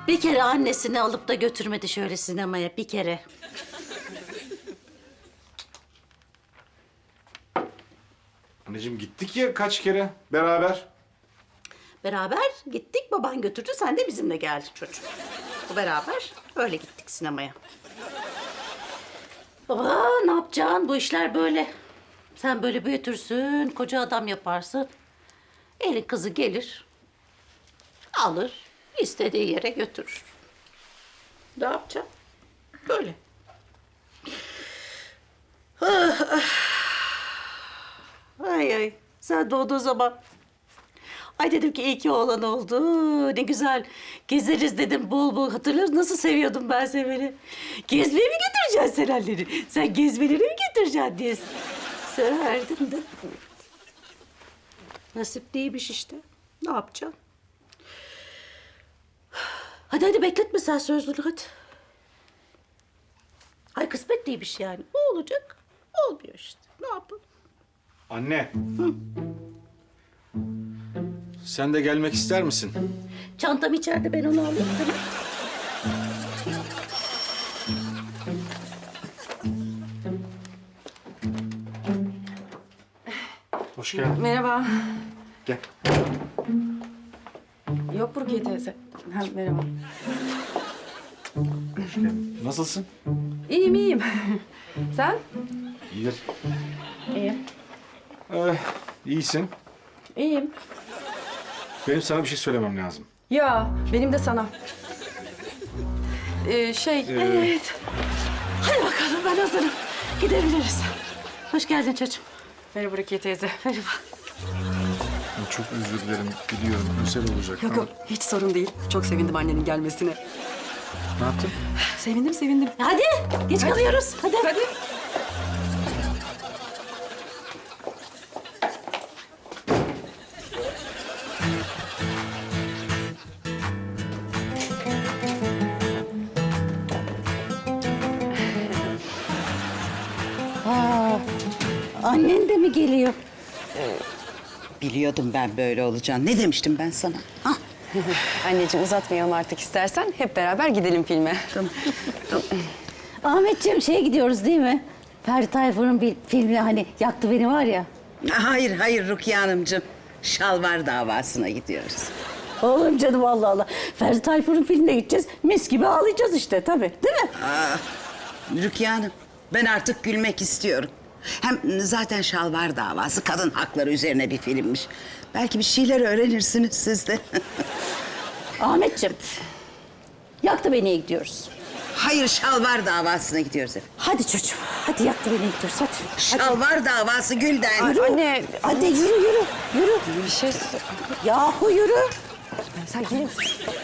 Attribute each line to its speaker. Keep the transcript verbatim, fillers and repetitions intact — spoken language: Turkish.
Speaker 1: Bir kere annesini alıp da götürmedi şöyle sinemaya, bir kere.
Speaker 2: Anneciğim gittik ya kaç kere beraber.
Speaker 1: Beraber gittik, baban götürdü, sen de bizimle geldin çocuğum. Bu beraber öyle gittik sinemaya. Baba ne yapacaksın? Bu işler böyle. Sen böyle büyütürsün, koca adam yaparsın. Elin kızı gelir, alır, istediği yere götürür. Ne yapacaksın? Böyle. Ah, ah. Ay ay, sen doğduğun zaman... Ay dedim ki iyi ki oğlan oldu. Ne güzel gezeriz dedim bol bol. Hatırlıyorsun nasıl seviyordum ben seni böyle. Gezmeye mi götüreceksin sen anneleri? Sen gezmeleri mi götüreceksin diye severdim de. Nasip değilmiş işte. Ne yapacaksın? Hadi hadi bekletme sen sözlülü hadi. Ay kısmet değilmiş yani. O olacak, olmuyor işte. Ne yapalım?
Speaker 2: Anne. Sen de gelmek ister misin?
Speaker 1: Çantam içeride, ben onu alayım. Tamam.
Speaker 2: Hoş geldin.
Speaker 3: Merhaba.
Speaker 2: Gel.
Speaker 3: Yok Rukiye teyze. Ha, merhaba.
Speaker 2: Hoş geldin. Nasılsın?
Speaker 3: İyiyim, iyiyim. Sen?
Speaker 2: İyidir.
Speaker 3: İyiyim.
Speaker 2: Ee, iyisin.
Speaker 3: İyiyim.
Speaker 2: Benim sana bir şey söylemem lazım.
Speaker 3: Ya, benim de sana. Ee, şey...
Speaker 1: Evet. Hadi bakalım ben hazırım. Gidebiliriz. Hoş geldin çocuğum.
Speaker 3: Merhaba Rukiye teyze.
Speaker 1: Merhaba.
Speaker 2: Çok özür dilerim. Biliyorum özel olacak.
Speaker 3: Yok yok, hiç sorun değil. Çok sevindim annenin gelmesine.
Speaker 2: Ne yaptın?
Speaker 3: Sevindim, sevindim.
Speaker 1: Hadi geç kalıyoruz. Hadi.
Speaker 3: Hadi.
Speaker 1: Aa, annen de mi geliyor?
Speaker 4: Biliyordum ben böyle olacağını. Ne demiştim ben sana? Hah.
Speaker 3: Anneciğim uzatmayalım artık istersen. Hep beraber gidelim filme.
Speaker 1: Ahmetciğim şeye gidiyoruz değil mi? Ferdi Tayfur'un bir filmi hani Yaktı Beni var ya.
Speaker 4: Hayır, hayır Rukiye Hanımcığım. Şalvar davasına gidiyoruz.
Speaker 1: Oğlum canım Allah Allah. Ferdi Tayfur'un filmine gideceğiz. Mis gibi ağlayacağız işte tabii. Değil mi?
Speaker 4: Aa, Rukiye Hanım, ben artık gülmek istiyorum. Hem zaten şalvar davası kadın hakları üzerine bir filmmiş. Belki bir şeyler öğrenirsiniz siz de.
Speaker 1: Ahmetciğim. Yaktı Beni'ye gidiyoruz.
Speaker 4: Hayır, şalvar davasına gidiyoruz efendim.
Speaker 1: Hadi çocuğum. Hadi Yaktı Beni'ye gidiyoruz hadi.
Speaker 4: Şalvar davası Gülden.
Speaker 1: Yürü.
Speaker 3: Anne.
Speaker 1: Hadi yürü yürü. Yürü.
Speaker 3: Bir şey...
Speaker 1: Yahu yürü.
Speaker 3: Sen gelir misin?